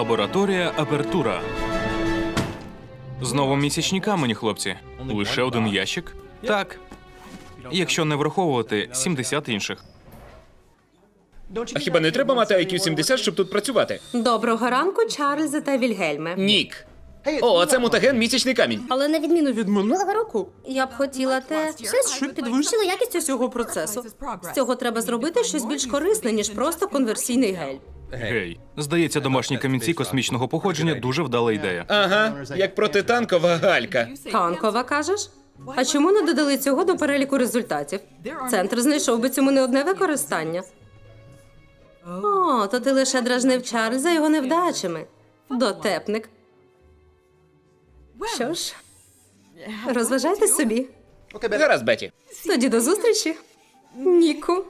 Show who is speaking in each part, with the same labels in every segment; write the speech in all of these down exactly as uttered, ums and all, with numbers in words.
Speaker 1: Лабораторія Апертура. Знову місячні камені, хлопці. Лише один ящик? Так. Якщо не враховувати сімдесят інших.
Speaker 2: А хіба не треба мати ай к'ю сімдесят, щоб тут працювати?
Speaker 3: Доброго ранку, Чарльзе та Вільгельме.
Speaker 2: Нік. О, а це мутаген місячний камінь.
Speaker 3: Але на відміну від минулого року, я б хотіла те, щось, що підвищило якість усього процесу. З цього треба зробити щось більш корисне, ніж просто конверсійний гель.
Speaker 1: Гей. Здається, домашні камінці космічного походження дуже вдала ідея.
Speaker 2: Ага, як протитанкова галька.
Speaker 3: Танкова, кажеш? А чому не додали цього до переліку результатів? Центр знайшов би цьому не одне використання. О, то ти лише дражнив Чарльза його невдачами. Дотепник. Що ж, розважайтесь собі.
Speaker 2: Гаразд, Беті.
Speaker 3: Тоді до зустрічі, Ніку.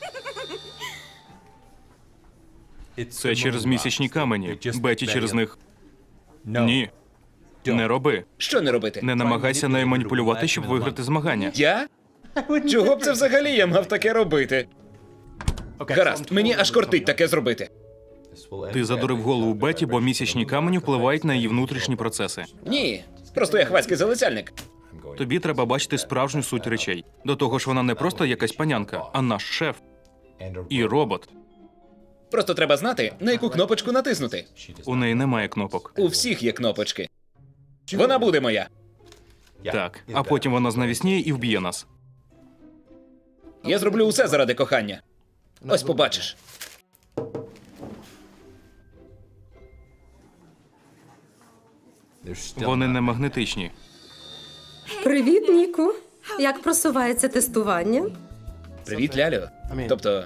Speaker 1: Це через місячні камені. Беті через них. Ні. Не роби.
Speaker 2: Що не робити?
Speaker 1: Не намагайся нею маніпулювати, щоб виграти змагання.
Speaker 2: Я? Чого б це взагалі я мав таке робити? Гаразд, мені аж кортить таке зробити.
Speaker 1: Ти задурив голову Беті, бо місячні камені впливають на її внутрішні процеси.
Speaker 2: Ні, просто я хвацький залицяльник.
Speaker 1: Тобі треба бачити справжню суть речей. До того ж, вона не просто якась панянка, а наш шеф. І робот.
Speaker 2: Просто треба знати, на яку кнопочку натиснути.
Speaker 1: У неї немає кнопок.
Speaker 2: У всіх є кнопочки. Вона буде моя.
Speaker 1: Так. А потім вона знавісніє і вб'є нас.
Speaker 2: Я зроблю усе заради кохання. Ось побачиш.
Speaker 1: Вони не магнетичні.
Speaker 3: Привіт, Ніку. Як просувається тестування?
Speaker 2: Привіт, Лялю. Тобто...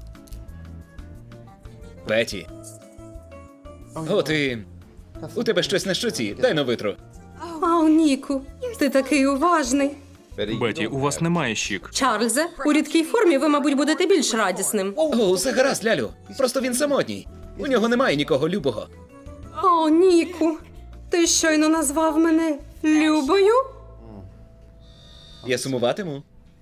Speaker 2: Беті. О, ти... У тебе щось на щоці. Дай на витру.
Speaker 3: Ау, Ніку, ти такий уважний.
Speaker 1: Беті, у вас немає щік.
Speaker 3: Чарльзе, у рідкій формі ви, мабуть, будете більш радісним.
Speaker 2: О, усе гаразд, Лялю. Просто він самотній. У нього немає нікого любого.
Speaker 3: О, Ніку, ти щойно назвав мене Любою?
Speaker 2: Я сумуватиму.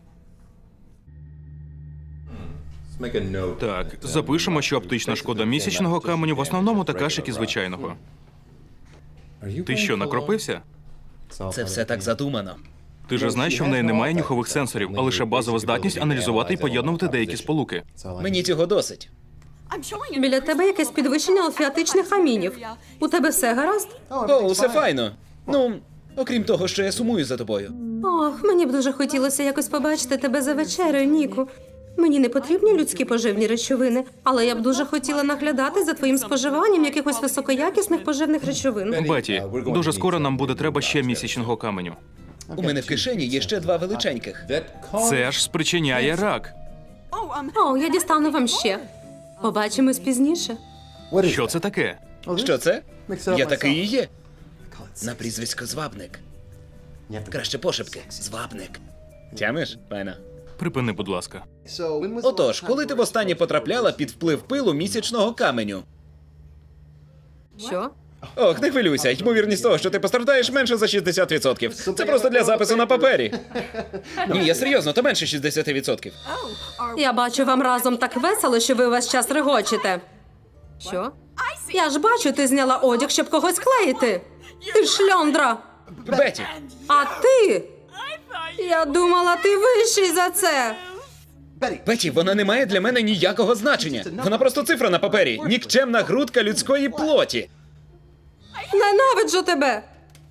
Speaker 1: Так, запишемо, що оптична шкода місячного каменю в основному така ж, як і звичайного. Ти що, накропився?
Speaker 2: Це все так задумано.
Speaker 1: Ти ж знаєш, що в неї немає нюхових сенсорів, а лише базова здатність аналізувати і поєднувати деякі сполуки.
Speaker 2: Мені цього досить.
Speaker 3: Біля тебе якесь підвищення алфеатичних амінів. У тебе все гаразд?
Speaker 2: О, усе файно. Ну, окрім того, що я сумую за тобою.
Speaker 3: Ох, мені б дуже хотілося якось побачити тебе за вечерею, Ніку. Мені не потрібні людські поживні речовини, але я б дуже хотіла наглядати за твоїм споживанням якихось високоякісних поживних речовин.
Speaker 1: Беті, дуже скоро нам буде треба ще місячного каменю.
Speaker 2: У мене в кишені є ще два величеньких.
Speaker 1: Це ж спричиняє рак.
Speaker 3: О, я дістану вам ще. Побачимось пізніше.
Speaker 1: Що це таке?
Speaker 2: Що це? Я такий і є. На прізвисько Звабник. Краще пошепки. Звабник. Тямиш, файно?
Speaker 1: Припини, будь ласка.
Speaker 2: Отож, коли ти востаннє потрапляла під вплив пилу місячного каменю?
Speaker 3: Що?
Speaker 2: Ох, не хвилюйся, ймовірність того, що ти постраждаєш, менше за шістдесят відсотків. Це просто для запису на папері. Ні, я серйозно, то менше шістдесят відсотків.
Speaker 3: Я бачу, вам разом так весело, що ви увесь час регочете. Що? Я ж бачу, ти зняла одяг, щоб когось клеїти. Ти шльондра.
Speaker 2: Беті,
Speaker 3: А ти? Я думала, ти вищий за це.
Speaker 2: Беті, вона не має для мене ніякого значення. Вона просто цифра на папері. Нікчемна грудка людської плоті.
Speaker 3: Ненавиджу тебе.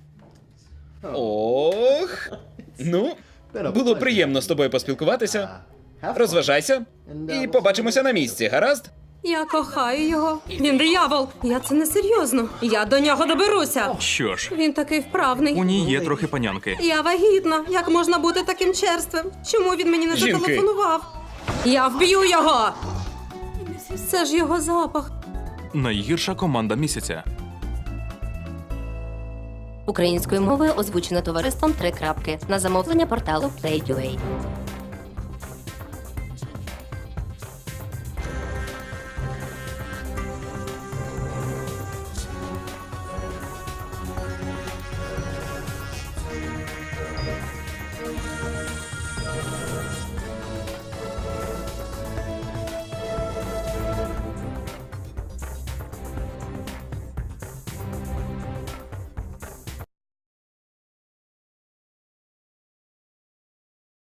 Speaker 2: Ох. Ну, було приємно з тобою поспілкуватися. Розважайся і побачимося на місці, гаразд?
Speaker 3: Я кохаю його. Він диявол. Я це не серйозно. Я до нього доберуся.
Speaker 1: Що ж,
Speaker 3: Він такий вправний.
Speaker 1: у ній є трохи панянки.
Speaker 3: Я вагітна. Як можна бути таким черствим? Чому він мені не
Speaker 2: Жінки.
Speaker 3: зателефонував? Я вб'ю його! Це ж його запах.
Speaker 1: Найгірша команда місяця.
Speaker 4: Українською мовою озвучено товариством «Три крапки» на замовлення порталу Play.ua.